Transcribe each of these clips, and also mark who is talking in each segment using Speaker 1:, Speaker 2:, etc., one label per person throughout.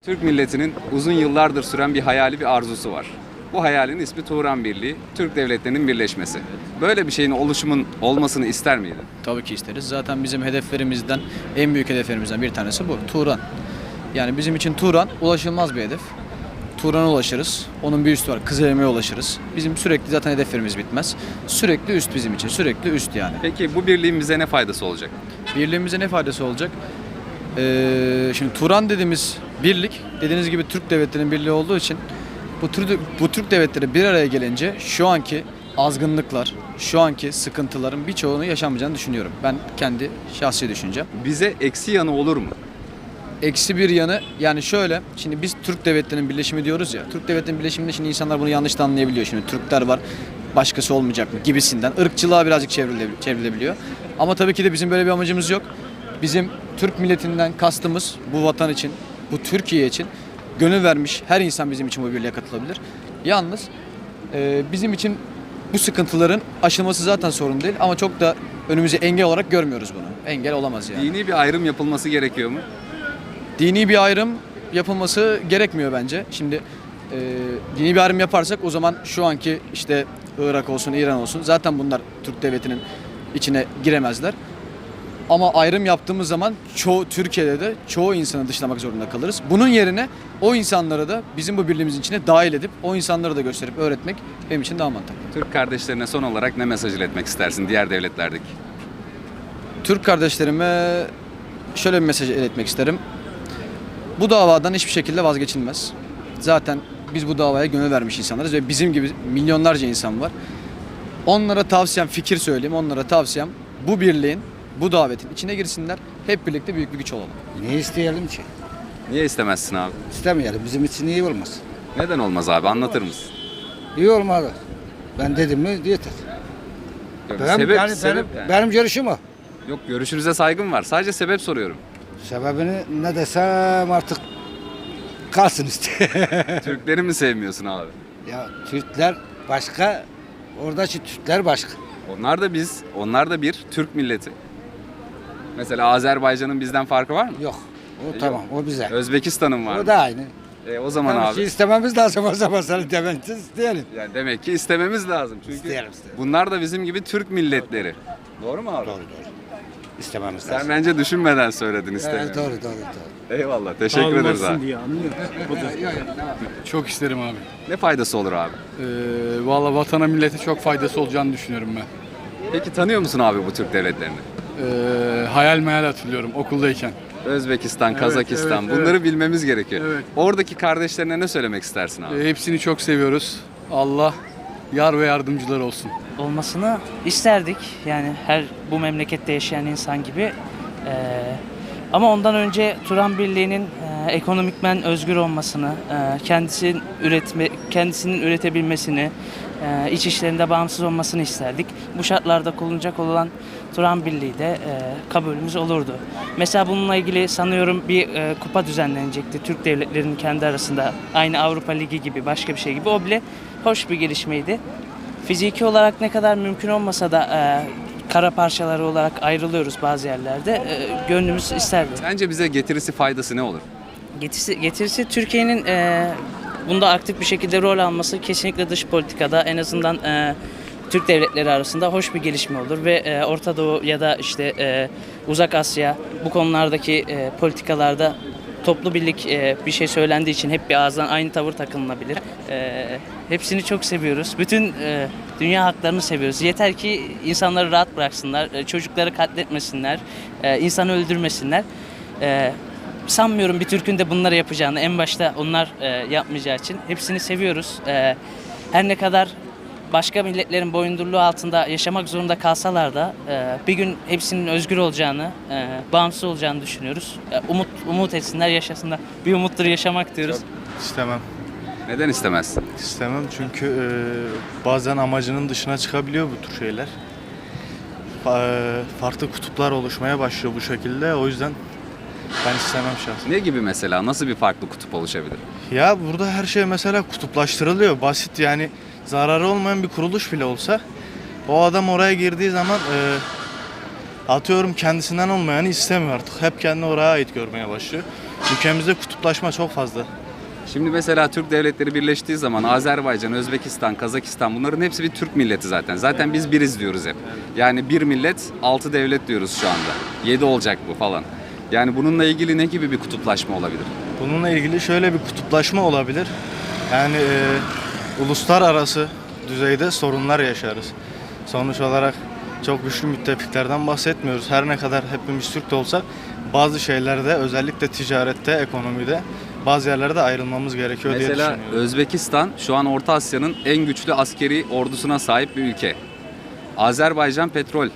Speaker 1: Türk milletinin uzun yıllardır süren bir hayali, bir arzusu var. Bu hayalin ismi Turan Birliği, Türk devletlerinin birleşmesi. Böyle bir şeyin olmasını ister miydin?
Speaker 2: Tabii ki isteriz. Zaten bizim hedeflerimizden, en büyük hedeflerimizden bir tanesi bu. Turan. Yani bizim için Turan ulaşılmaz bir hedef. Turan'a ulaşırız. Onun bir üstü var. Kızıleme'ye ulaşırız. Bizim sürekli zaten hedeflerimiz bitmez. Sürekli üst bizim için. Sürekli üst yani.
Speaker 1: Peki bu birliğin bize ne faydası olacak?
Speaker 2: Birliğimize ne faydası olacak? Şimdi Turan dediğimiz birlik, dediğiniz gibi Türk devletlerinin birliği olduğu için bu Türk devletleri bir araya gelince şu anki azgınlıklar, şu anki sıkıntıların birçoğunu yaşamayacağını düşünüyorum. Ben kendi şahsi düşüncem.
Speaker 1: Bize eksi yanı olur mu?
Speaker 2: Eksi bir yanı yani şöyle, şimdi biz Türk devletlerinin birleşimi diyoruz ya. Türk devletlerinin birleşiminde şimdi insanlar bunu yanlış da anlayabiliyor. Şimdi Türkler var, başkası olmayacak mı gibisinden. Irkçılığa birazcık çevrilebiliyor. Ama tabii ki de bizim böyle bir amacımız yok. Bizim Türk milletinden kastımız bu vatan için, bu Türkiye için gönül vermiş her insan bizim için bu birliğe katılabilir. Yalnız bizim için bu sıkıntıların aşılması zaten sorun değil ama çok da önümüze engel olarak görmüyoruz bunu. Engel olamaz yani.
Speaker 1: Dini bir ayrım yapılması gerekiyor mu?
Speaker 2: Dini bir ayrım yapılması gerekmiyor bence. Şimdi dini bir ayrım yaparsak o zaman şu anki işte Irak olsun, İran olsun zaten bunlar Türk devletinin içine giremezler. Ama ayrım yaptığımız zaman Türkiye'de de çoğu insanı dışlamak zorunda kalırız. Bunun yerine o insanları da bizim bu birliğimizin içine dahil edip o insanları da gösterip öğretmek benim için daha mantıklı.
Speaker 1: Türk kardeşlerine son olarak ne mesaj iletmek istersin diğer devletlerdeki?
Speaker 2: Türk kardeşlerime şöyle bir mesaj iletmek isterim. Bu davadan hiçbir şekilde vazgeçilmez. Zaten biz bu davaya gönül vermiş insanlarız ve bizim gibi milyonlarca insan var. Onlara tavsiyem, fikir söyleyeyim, onlara tavsiyem bu birliğin, bu davetin içine girsinler. Hep birlikte büyük bir güç olalım.
Speaker 3: Niye isteyelim ki?
Speaker 1: Niye istemezsin abi?
Speaker 3: İstemeyelim. Bizim için iyi olmaz.
Speaker 1: Neden olmaz abi, anlatır mısın?
Speaker 3: İyi olmalı. Ben dedim mi yeter.
Speaker 1: Yok,
Speaker 3: Benim görüşüm o.
Speaker 1: Yok, görüşünüze saygım var. Sadece sebep soruyorum.
Speaker 3: Sebebini ne desem artık kalsın işte.
Speaker 1: Türkleri mi sevmiyorsun abi?
Speaker 3: Ya Türkler başka, oradaki Türkler başka.
Speaker 1: Onlar da bir Türk milleti. Mesela Azerbaycan'ın bizden farkı var mı?
Speaker 3: Yok. O tamam. O bize.
Speaker 1: Özbekistan'ın var
Speaker 3: O
Speaker 1: mı?
Speaker 3: da aynı.
Speaker 1: O zaman
Speaker 3: Demek
Speaker 1: abi.
Speaker 3: ki istememiz lazım o zaman seni demek ki isteyelim.
Speaker 1: Yani demek ki istememiz lazım. Çünkü
Speaker 3: İsteyelim.
Speaker 1: bunlar da bizim gibi Türk milletleri. Doğru mu abi?
Speaker 3: Doğru. İstememiz
Speaker 1: Sen
Speaker 3: lazım.
Speaker 1: bence düşünmeden söyledin istemiyorum.
Speaker 3: Doğru.
Speaker 1: Eyvallah. Teşekkür ederiz abi.
Speaker 4: diye anlıyor. Çok isterim abi.
Speaker 1: Ne faydası olur abi?
Speaker 4: Valla vatana millete çok faydası olacağını düşünüyorum ben.
Speaker 1: Peki tanıyor musun abi bu Türk devletlerini?
Speaker 4: Hayal meyal hatırlıyorum okuldayken.
Speaker 1: Özbekistan,
Speaker 4: Evet,
Speaker 1: Kazakistan,
Speaker 4: evet,
Speaker 1: bunları bilmemiz gerekiyor.
Speaker 4: Evet.
Speaker 1: Oradaki kardeşlerine ne söylemek istersin abi?
Speaker 4: Hepsini çok seviyoruz. Allah yar ve yardımcılar olsun.
Speaker 5: Olmasını isterdik. Yani her bu memlekette yaşayan insan gibi. Ama ondan önce Turan Birliği'nin ekonomikmen özgür olmasını, kendisinin üretebilmesini, iç işlerinde bağımsız olmasını isterdik. Bu şartlarda kurulacak olan Turan Birliği de kabulümüz olurdu. Mesela bununla ilgili sanıyorum bir kupa düzenlenecekti Türk devletlerinin kendi arasında. Aynı Avrupa Ligi gibi, başka bir şey gibi. O bile hoş bir gelişmeydi. Fiziki olarak ne kadar mümkün olmasa da kara parçaları olarak ayrılıyoruz bazı yerlerde. Gönlümüz isterdi.
Speaker 1: Sence bize getirisi, faydası ne olur?
Speaker 5: Getirisi Türkiye'nin bunda aktif bir şekilde rol alması kesinlikle dış politikada en azından Türk devletleri arasında hoş bir gelişme olur ve Orta Doğu ya da işte Uzak Asya bu konulardaki politikalarda toplu birlik bir şey söylendiği için hep bir ağızdan aynı tavır takınılabilir. Hepsini çok seviyoruz. Bütün dünya haklarını seviyoruz. Yeter ki insanları rahat bıraksınlar, çocukları katletmesinler, insanı öldürmesinler. Sanmıyorum bir Türk'ün de bunları yapacağını, en başta onlar yapmayacağı için. Hepsini seviyoruz. Her ne kadar başka milletlerin boyundurluğu altında yaşamak zorunda kalsalar da bir gün hepsinin özgür olacağını, bağımsız olacağını düşünüyoruz. Umut etsinler, yaşasınlar. Bir umuttur yaşamak diyoruz.
Speaker 6: İstemem.
Speaker 1: Neden istemezsin?
Speaker 6: İstemem çünkü bazen amacının dışına çıkabiliyor bu tür şeyler. Farklı kutuplar oluşmaya başlıyor bu şekilde. O yüzden ben istemem şahsen.
Speaker 1: Ne gibi mesela? Nasıl bir farklı kutup oluşabilir?
Speaker 6: Ya burada her şey mesela kutuplaştırılıyor. Basit yani zararı olmayan bir kuruluş bile olsa o adam oraya girdiği zaman atıyorum kendisinden olmayanı istemiyor artık. Hep kendini oraya ait görmeye başlıyor. Ülkemizde kutuplaşma çok fazla.
Speaker 1: Şimdi mesela Türk devletleri birleştiği zaman Azerbaycan, Özbekistan, Kazakistan bunların hepsi bir Türk milleti zaten. Zaten biz biriz diyoruz hep. Yani bir millet, 6 devlet diyoruz şu anda. 7 olacak bu falan. Yani bununla ilgili ne gibi bir kutuplaşma olabilir?
Speaker 6: Bununla ilgili şöyle bir kutuplaşma olabilir. Yani uluslararası düzeyde sorunlar yaşarız. Sonuç olarak çok güçlü müttefiklerden bahsetmiyoruz. Her ne kadar hepimiz Türk de olsak bazı şeylerde, özellikle ticarette, ekonomide bazı yerlerde ayrılmamız gerekiyor diye
Speaker 1: Mesela
Speaker 6: düşünüyorum.
Speaker 1: Özbekistan şu an Orta Asya'nın en güçlü askeri ordusuna sahip bir ülke. Azerbaycan petrol,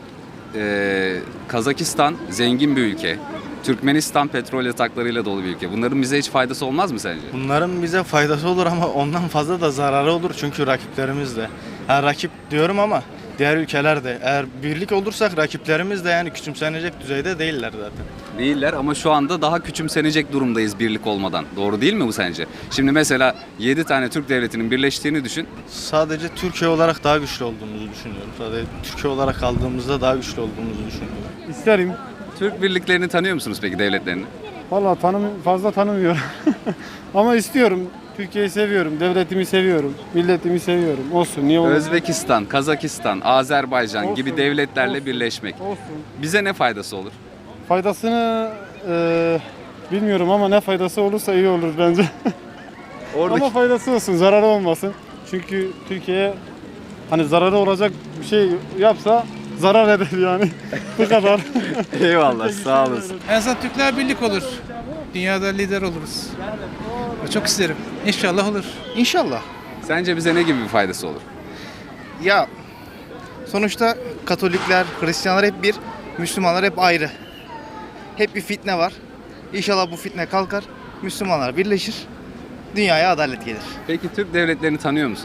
Speaker 1: Kazakistan zengin bir ülke. Türkmenistan petrol yataklarıyla dolu bir ülke. Bunların bize hiç faydası olmaz mı sence?
Speaker 6: Bunların bize faydası olur ama ondan fazla da zararı olur çünkü rakiplerimiz de. Ha, rakip diyorum ama diğer ülkeler de. Eğer birlik olursak rakiplerimiz de yani küçümsenecek düzeyde değiller zaten.
Speaker 1: Değiller ama şu anda daha küçümsenecek durumdayız birlik olmadan. Doğru değil mi bu sence? Şimdi mesela 7 tane Türk devletinin birleştiğini düşün.
Speaker 6: Sadece Türkiye olarak daha güçlü olduğumuzu düşünüyorum. Sadece Türkiye olarak kaldığımızda daha güçlü olduğumuzu düşünüyorum.
Speaker 7: İsterim.
Speaker 1: Türk birliklerini tanıyor musunuz peki devletlerini?
Speaker 7: Vallahi fazla tanımıyorum. Ama istiyorum. Türkiye'yi seviyorum, devletimi seviyorum, milletimi seviyorum. Olsun, niye olmasın?
Speaker 1: Özbekistan, Kazakistan, Azerbaycan
Speaker 7: Olsun,
Speaker 1: gibi devletlerle
Speaker 7: olsun,
Speaker 1: birleşmek.
Speaker 7: Olsun.
Speaker 1: Bize ne faydası olur?
Speaker 7: Faydasını bilmiyorum ama ne faydası olursa iyi olur bence.
Speaker 1: Oradaki
Speaker 7: Ama faydası olsun, zararı olmasın. Çünkü Türkiye'ye hani zararı olacak bir şey yapsa zarar eder yani. Bu kadar.
Speaker 1: Eyvallah, sağ olasın.
Speaker 8: En azından Türkler birlik olur. Dünyada lider oluruz. Çok isterim. İnşallah olur.
Speaker 9: İnşallah.
Speaker 1: Sence bize ne gibi bir faydası olur?
Speaker 9: Ya sonuçta Katolikler, Hristiyanlar hep bir, Müslümanlar hep ayrı. Hep bir fitne var. İnşallah bu fitne kalkar, Müslümanlar birleşir, dünyaya adalet gelir.
Speaker 1: Peki Türk devletlerini tanıyor musun?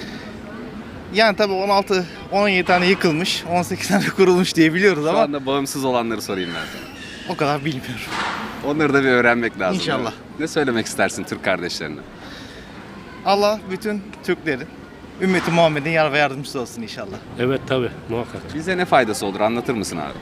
Speaker 9: Yani tabii 17 tane yıkılmış, 18 tane kurulmuş diye biliyoruz
Speaker 1: Şu
Speaker 9: ama
Speaker 1: anda bağımsız olanları sorayım ben sana.
Speaker 9: o kadar bilmiyorum.
Speaker 1: Onları da bir öğrenmek lazım.
Speaker 9: İnşallah.
Speaker 1: değil mi? Ne söylemek istersin Türk kardeşlerine?
Speaker 9: Allah bütün Türklerin, ümmeti Muhammed'in yar ve yardımcısı olsun inşallah.
Speaker 10: Evet tabii muhakkak.
Speaker 1: Bize ne faydası olur anlatır mısın abi?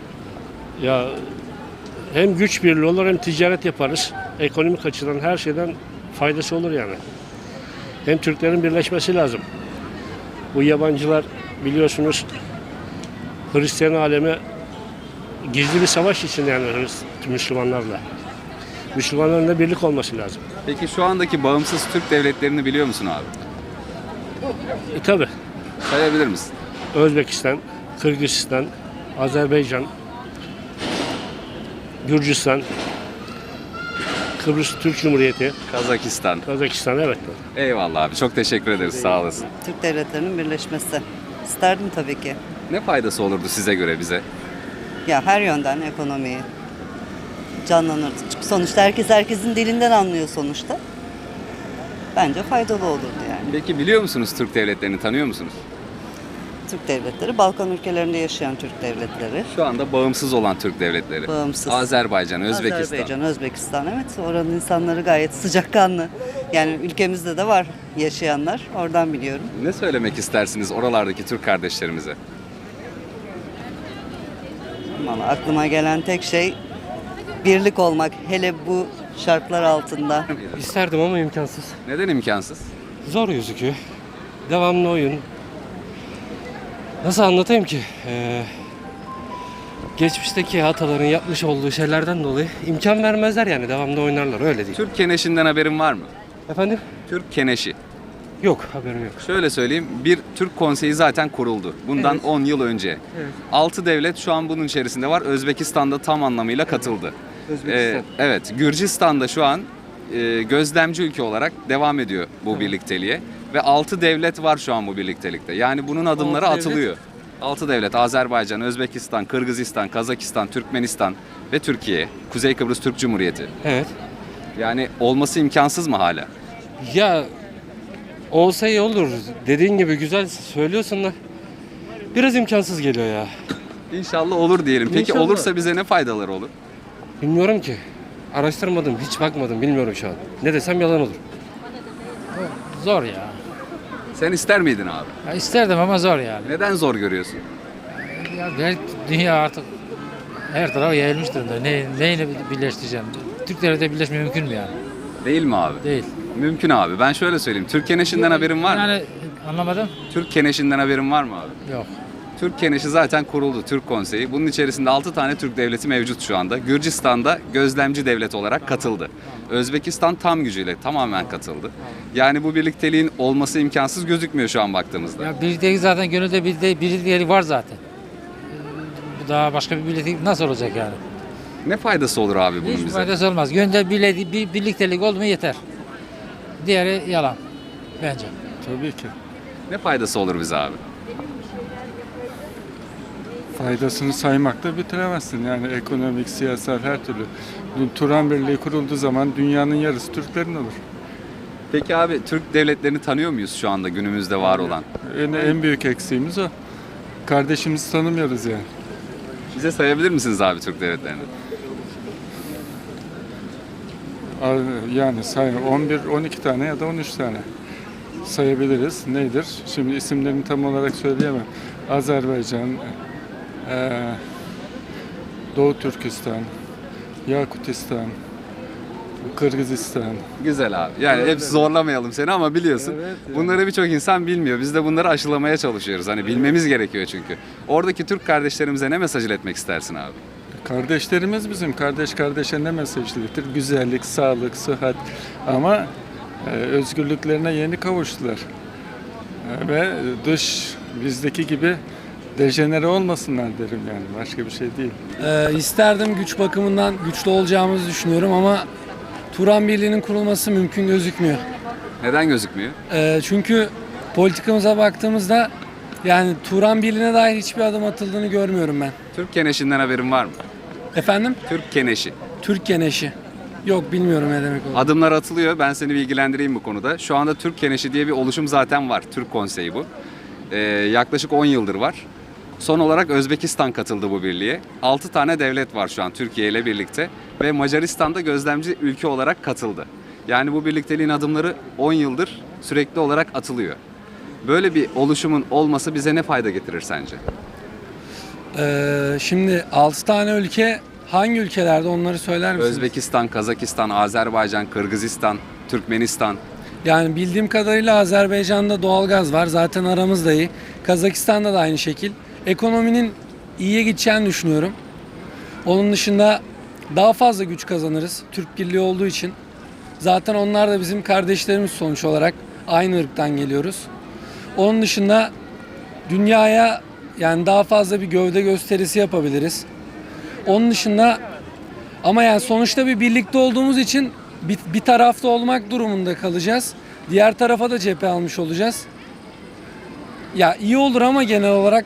Speaker 10: Ya hem güç birliği olur hem ticaret yaparız. Ekonomik açıdan her şeyden faydası olur yani. Hem Türklerin birleşmesi lazım. Bu yabancılar biliyorsunuz Hristiyan alemi gizli bir savaş için yani Müslümanlarla. Müslümanların da birlik olması lazım.
Speaker 1: Peki şu andaki bağımsız Türk devletlerini biliyor musun abi?
Speaker 10: Tabii
Speaker 1: Sayabilir misin?
Speaker 10: Özbekistan, Kırgızistan, Azerbaycan, Gürcistan, Kıbrıs Türk Cumhuriyeti,
Speaker 1: Kazakistan.
Speaker 10: Kazakistan evet.
Speaker 1: Eyvallah abi çok teşekkür ederiz sağ olasın.
Speaker 11: Türk devletlerinin birleşmesi. İsterdim tabii ki.
Speaker 1: Ne faydası olurdu size göre bize?
Speaker 11: Ya her yönden ekonomiyi canlanırdı. Çünkü sonuçta herkesin dilinden anlıyor sonuçta. Bence faydalı olurdu yani.
Speaker 1: Peki biliyor musunuz Türk devletlerini tanıyor musunuz?
Speaker 11: Türk devletleri, Balkan ülkelerinde yaşayan Türk devletleri.
Speaker 1: Şu anda bağımsız olan Türk devletleri.
Speaker 11: Bağımsız.
Speaker 1: Azerbaycan, Özbekistan.
Speaker 11: Azerbaycan, Özbekistan, evet. Oranın insanları gayet sıcakkanlı. Yani ülkemizde de var yaşayanlar. Oradan biliyorum.
Speaker 1: Ne söylemek istersiniz oralardaki Türk kardeşlerimize?
Speaker 11: Ama aklıma gelen tek şey birlik olmak. Hele bu şartlar altında.
Speaker 10: İsterdim ama imkansız.
Speaker 1: Neden imkansız?
Speaker 10: Zor gözüküyor. Devamlı oyun. Nasıl anlatayım ki? Geçmişteki ataların yapmış olduğu şeylerden dolayı imkan vermezler yani devamlı oynarlar öyle değil.
Speaker 1: Türk Keneşi'nden haberin var mı?
Speaker 10: Efendim?
Speaker 1: Türk Keneşi.
Speaker 10: Yok haberim yok.
Speaker 1: Şöyle söyleyeyim, bir Türk Konseyi zaten kuruldu. Bundan 10 yıl önce. 6 devlet şu an bunun içerisinde var. Özbekistan'da tam anlamıyla katıldı. Evet, Gürcistan'da şu an gözlemci ülke olarak devam ediyor bu birlikteliğe. Ve 6 devlet var şu an bu birliktelikte. Yani bunun adımları
Speaker 10: Altı devlet.
Speaker 1: atılıyor. 6 devlet, Azerbaycan, Özbekistan, Kırgızistan, Kazakistan, Türkmenistan ve Türkiye. Kuzey Kıbrıs Türk Cumhuriyeti.
Speaker 10: Evet.
Speaker 1: Yani olması imkansız mı hala?
Speaker 10: Ya olsa iyi olur. Dediğin gibi güzel söylüyorsun da biraz imkansız geliyor ya.
Speaker 1: İnşallah olur diyelim. Peki
Speaker 10: İnşallah.
Speaker 1: olursa bize ne faydaları olur?
Speaker 10: Bilmiyorum ki. Araştırmadım, hiç bakmadım, bilmiyorum şu an. Ne desem yalan olur.
Speaker 8: Zor ya.
Speaker 1: Sen ister miydin abi?
Speaker 8: İsterdim ama zor yani.
Speaker 1: Neden zor görüyorsun?
Speaker 8: Ya dünya artık her tarafa yayılmış durumda. Neyle birleştireceğim?
Speaker 12: Türk devleti birleşme mümkün mü yani?
Speaker 1: Değil mi abi?
Speaker 12: Değil.
Speaker 1: Mümkün abi. Ben şöyle söyleyeyim. Türk Keneşi'nden haberin var mı?
Speaker 12: Yani anlamadım.
Speaker 1: Türk Keneşi'nden haberin var mı abi?
Speaker 12: Yok.
Speaker 1: Türk Keneşi zaten kuruldu, Türk Konseyi. Bunun içerisinde 6 tane Türk devleti mevcut şu anda. Gürcistan'da gözlemci devlet olarak katıldı. Özbekistan tam gücüyle tamamen katıldı. Yani bu birlikteliğin olması imkansız gözükmüyor şu an baktığımızda.
Speaker 12: Ya birliktelik zaten gönülde birliktelik var zaten. Bu daha başka bir birliktelik nasıl olacak yani?
Speaker 1: Ne faydası olur abi bunun
Speaker 12: Hiç
Speaker 1: bize?
Speaker 12: faydası olmaz. Gönülde birliktelik oldu mu yeter. Diğeri yalan bence.
Speaker 7: Tabii ki.
Speaker 1: Ne faydası olur bize abi?
Speaker 7: Faydasını saymakla bitiremezsin. Yani ekonomik, siyasal her türlü. Turan Birliği kurulduğu zaman dünyanın yarısı Türklerin olur.
Speaker 1: Peki abi Türk devletlerini tanıyor muyuz şu anda günümüzde var olan?
Speaker 7: En büyük eksiğimiz o. Kardeşimizi tanımıyoruz yani.
Speaker 1: Bize sayabilir misiniz abi Türk devletlerini?
Speaker 7: Yani 11-12 tane ya da 13 tane sayabiliriz. Nedir? Şimdi isimlerini tam olarak söyleyemem. Azerbaycan, Doğu Türkistan, Yakutistan, Kırgızistan.
Speaker 1: Güzel abi. Yani hep zorlamayalım seni ama biliyorsun.
Speaker 7: Evet, yani.
Speaker 1: Bunları birçok insan bilmiyor. Biz de bunları aşılamaya çalışıyoruz. Hani bilmemiz gerekiyor çünkü. Oradaki Türk kardeşlerimize ne mesaj iletmek istersin abi?
Speaker 7: Kardeşlerimiz bizim. Kardeş kardeşe ne mesaj iletir? Güzellik, sağlık, sıhhat. Ama özgürlüklerine yeni kavuştular. Ve bizdeki gibi dejenere olmasınlar derim yani. Başka bir şey değil.
Speaker 13: İsterdim, güç bakımından güçlü olacağımızı düşünüyorum ama Turan Birliği'nin kurulması mümkün gözükmüyor.
Speaker 1: Neden gözükmüyor?
Speaker 13: Çünkü politikamıza baktığımızda yani Turan Birliği'ne dair hiçbir adım atıldığını görmüyorum ben.
Speaker 1: Türk Keneşi'nden haberin var mı?
Speaker 13: Efendim?
Speaker 1: Türk Keneşi.
Speaker 13: Türk Keneşi. Yok, bilmiyorum ne demek o.
Speaker 1: Adımlar atılıyor. Ben seni bilgilendireyim bu konuda. Şu anda Türk Keneşi diye bir oluşum zaten var. Türk Konseyi bu. Yaklaşık 10 yıldır var. Son olarak Özbekistan katıldı bu birliğe. 6 tane devlet var şu an Türkiye ile birlikte. Ve Macaristan'da gözlemci ülke olarak katıldı. Yani bu birlikteliğin adımları 10 yıldır sürekli olarak atılıyor. Böyle bir oluşumun olması bize ne fayda getirir sence?
Speaker 13: Şimdi 6 tane ülke hangi ülkelerde, onları söyler misiniz?
Speaker 1: Özbekistan, Kazakistan, Azerbaycan, Kırgızistan, Türkmenistan.
Speaker 13: Yani bildiğim kadarıyla Azerbaycan'da doğalgaz var. Zaten aramız da iyi. Kazakistan'da da aynı şekil. Ekonominin iyiye gideceğini düşünüyorum. Onun dışında daha fazla güç kazanırız Türk Birliği olduğu için. Zaten onlar da bizim kardeşlerimiz sonuç olarak. Aynı ırktan geliyoruz. Onun dışında dünyaya yani daha fazla bir gövde gösterisi yapabiliriz. Onun dışında ama yani sonuçta bir birlikte olduğumuz için bir tarafta olmak durumunda kalacağız. Diğer tarafa da cephe almış olacağız. Ya iyi olur ama genel olarak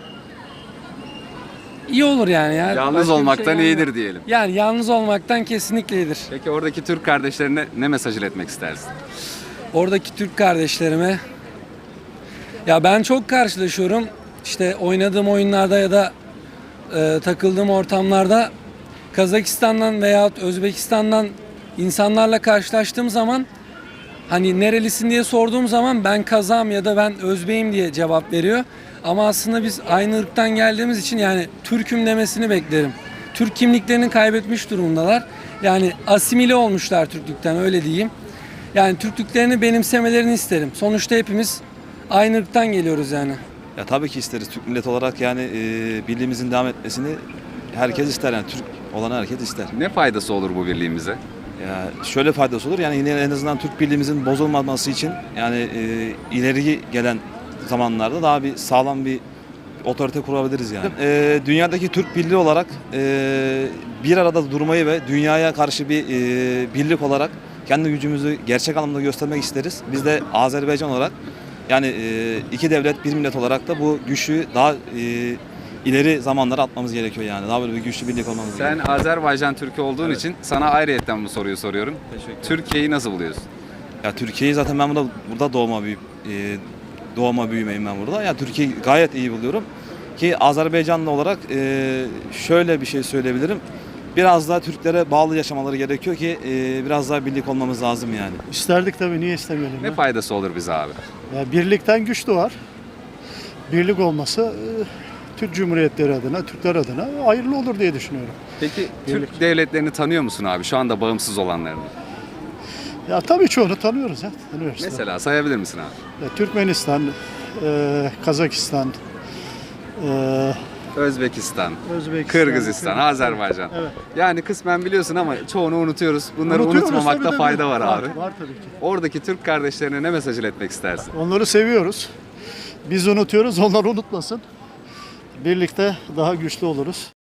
Speaker 13: iyi olur yani.
Speaker 1: Yalnız
Speaker 13: Başka bir
Speaker 1: olmaktan
Speaker 13: şey
Speaker 1: iyidir diyelim.
Speaker 13: Yani yalnız olmaktan kesinlikle iyidir.
Speaker 1: Peki oradaki Türk kardeşlerine ne mesaj iletmek istersin?
Speaker 13: Oradaki Türk kardeşlerime ya ben çok karşılaşıyorum. İşte oynadığım oyunlarda ya da takıldığım ortamlarda Kazakistan'dan veya Özbekistan'dan insanlarla karşılaştığım zaman hani nerelisin diye sorduğum zaman ben Kazağım ya da ben Özbeyim diye cevap veriyor. Ama aslında biz aynı ırktan geldiğimiz için yani Türk'üm demesini beklerim. Türk kimliklerini kaybetmiş durumdalar. Yani asimile olmuşlar Türklükten, öyle diyeyim. Yani Türklüklerini benimsemelerini isterim. Sonuçta hepimiz aynı ırktan geliyoruz yani.
Speaker 14: Ya tabii ki isteriz Türk milleti olarak yani birliğimizin devam etmesini herkes ister yani Türk olan herkes ister.
Speaker 1: Ne faydası olur bu birliğimize?
Speaker 14: Ya şöyle faydası olur yani yine en azından Türk birliğimizin bozulmaması için yani ileri gelen zamanlarda daha bir sağlam bir otorite kurabiliriz yani. Dünyadaki Türk birliği olarak bir arada durmayı ve dünyaya karşı bir birlik olarak kendi gücümüzü gerçek anlamda göstermek isteriz. Biz de Azerbaycan olarak yani iki devlet bir millet olarak da bu güçlü daha ileri zamanlara atmamız gerekiyor yani. Daha böyle bir güçlü birlik olmamız gerekiyor.
Speaker 1: Sen Azerbaycan Türk'ü olduğun için sana ayrıyetten bu soruyu soruyorum. Türkiye'yi nasıl buluyorsun?
Speaker 14: Ya Türkiye'yi zaten ben burada doğma büyümeyim ben burada. Ya Türkiye'yi gayet iyi buluyorum. Ki Azerbaycanlı olarak şöyle bir şey söyleyebilirim. Biraz daha Türklere bağlı yaşamaları gerekiyor ki biraz daha birlik olmamız lazım yani.
Speaker 15: İsterdik tabii, niye istemeyelim?
Speaker 1: Ne faydası olur bize abi?
Speaker 15: Ya birlikten güç doğar. Birlik olması
Speaker 4: Türk Cumhuriyetleri adına, Türkler adına hayırlı olur diye düşünüyorum.
Speaker 1: Peki Türk devletlerini tanıyor musun abi? Şu anda bağımsız olanlarını.
Speaker 4: Ya tabii çoğunu tanıyoruz ya. Tanıyoruz.
Speaker 1: Mesela sayabilir misin abi?
Speaker 4: Ya, Türkmenistan, Kazakistan,
Speaker 1: Özbekistan,
Speaker 4: Özbekistan,
Speaker 1: Kırgızistan, Azerbaycan.
Speaker 4: Evet.
Speaker 1: Yani kısmen biliyorsun ama çoğunu unutuyoruz. Bunları
Speaker 4: Unutuyoruz,
Speaker 1: unutmamakta
Speaker 4: tabii,
Speaker 1: fayda
Speaker 4: tabii.
Speaker 1: var abi.
Speaker 4: Var tabii ki.
Speaker 1: Oradaki Türk kardeşlerine ne mesaj iletmek istersin?
Speaker 4: Onları seviyoruz. Biz unutuyoruz, onlar unutmasın. Birlikte daha güçlü oluruz.